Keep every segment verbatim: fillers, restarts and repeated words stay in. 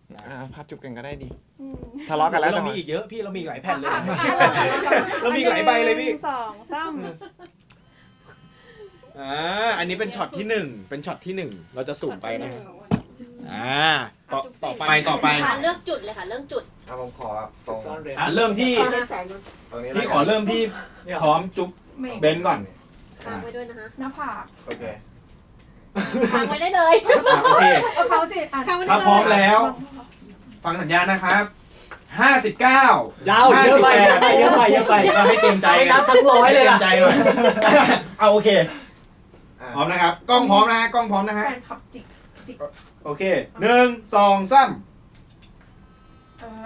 ภาพจุบกันก็ได้ดีทะเลาะกันแล้วเรามีอีกเยอะพี่เรามีหลายแผ่นเลยเรามีหลายใบเลยพี่สองสามอ่าอันนี้เป็นช็อตที่หนึ่งเป็นช็อตที่หนึ่งเราจะสุ่มไปนะอ่าต่อต่อไปต่อไปเลือกจุดเลยค่ะเลือกจุดเอาผมขอตรงอ่าเริ่มที่พี่ขอเริ่มที่พร้อมจุ๊บเบนก่อนค้างไว้ด้วยนะคะหน้าผากโอเคค้างไว้ได้เลยโอเคเขาสิถ้าพร้อมแล้วฟังสัญญาณนะครับห้าสิบเก้ายาวเยอะไปเยอะไปเยอะไปเยอะไปก็ให้เต็มใจนับทั้งร้อยเลยเต็มใจหน่อยเอาโอเคพร้อมนะครับกล้องพร้อมนะฮะกล้องพร้อมนะฮะขับจิกจิกโอเคหนึ่งสองสามเอ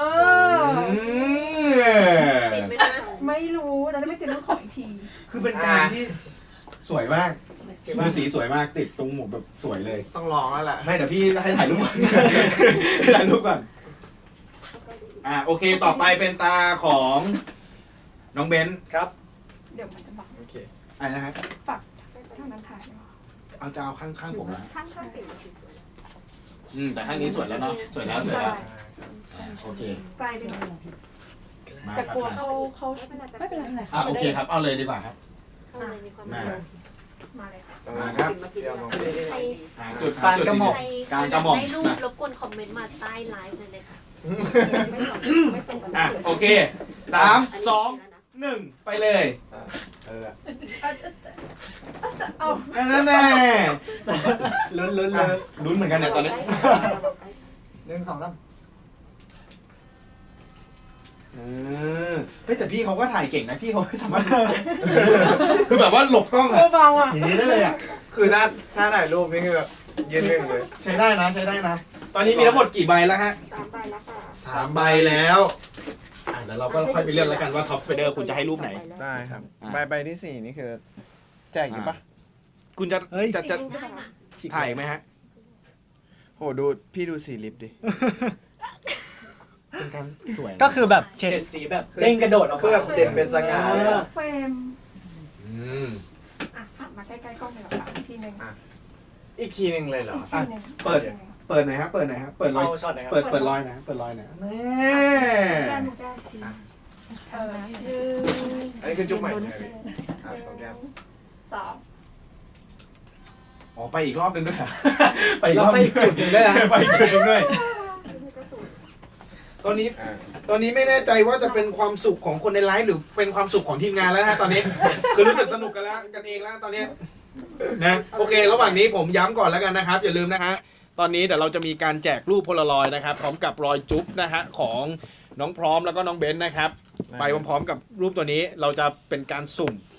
อติดไหมนะไม่รู้เราได้ไม่ติดต้องขออีกทีคือเป็นการที่สวยมากคือสีสวยมากติดตรงหมวกแบบสวยเลยต้องลองแล้วแหละไม่เดี๋ยวพี่ให้ถ่ายรูปก่อนถ่ายรูปก่อนอ่าโอเคต่อไปเป็นตาของน้องเบนครับเดี๋ยวมันจะบังโอเคอะไรนะฮะปักเท่านั้นถ่ายเอาจะเอาข้างข้างผมนะข้างข้างติดอืมแต่ข้างนี้สวยแล้วเนาะสวยแล้วสวยแล้วโอเคไกลดิแต่กลัวเขาเขาไม่เป็นไรไม่เป็นไรอ่าโอเคครับเอาเลยดีกว่าครับมามาเลยค่ะมาครับจุดกลางกระหม่อมกลางกระหม่อมให้รูปรบกวนคอมเมนต์มาใต้ไลฟ์เลยค่ะอ่ะโอเคสามสองหนึ่งไปเลยเออเอานั่นแน่ลุ้นลุ้นลุ้นเหมือนกันเนี่ยตอนนี้หนึ่งสองสามเออเฮ้ยแต่พี่เขาก็ถ่ายเก่งนะพี่เขาสามารถคือแบบว่าหลบกล้องอะอย่างนี้ได้เลยอะคือถ้าถ้าถ่ายรูปนี่คือแบบยืนหนึ่งเลยใช้ได้นะใช้ได้นะตอนนี้มีทั้งหมดกี่ใบแล้วฮะสามใบแล้วค่ะสามใบแล้วอ่ะแล้วเราก็ค่อยไปเลือกแล้วกันว่าท็อปสไปเดอร์คุณจะให้รูปไหนได้ครับใบใบที่สี่นี่คือแจกอยู่ปะคุณจะจะจะถ่ายไหมฮะโหดูพี่ดูสีลิปดิเป็นการสวยก็คือแบบเฉดสีแบบเด้งกระโดดออกคือแบบเด่นเป็นสง่าเฟรมอืมอ่ะหันมาใกล้ๆกล้องเลยค่ะอีกทีนึงอีกทีนึงเลยเหรอเปิดเปิดหน่อยครับเปิดหน่อยครับเปิดรอยเปิดเปิดรอยนะเปิดรอยนะแม่แก้มแก้มจีเอออันนี้คือจุ๊บใหม่เลยอ่ะตรงแก้มสองอ๋อไปอีกรอบนึงด้วยไปอีกรอบไปจุดนึงด้วยนะไปจุดนึงด้วยตอนนี้ตอนนี้ไม่แน่ใจว่าจะเป็นความสุขของคนในไลฟ์หรือเป็นความสุขของทีมงานแล้วนะตอนนี้คือรู้สึกสนุกกันแล้วกันเองแล้วตอนนี้นะโอเคระหว่างนี้ผมย้ำก่อนแล้วกันนะครับอย่าลืมนะฮะตอนนี้เดี๋ยวเราจะมีการแจกรูปโพลารอยด์นะครับพร้อมกับรอยจุ๊บนะฮะของน้องพร้อมแล้วก็น้องเบนซ์นะครับไปพร้อมๆกับรูปตัวนี้เราจะเป็นการสุ่ม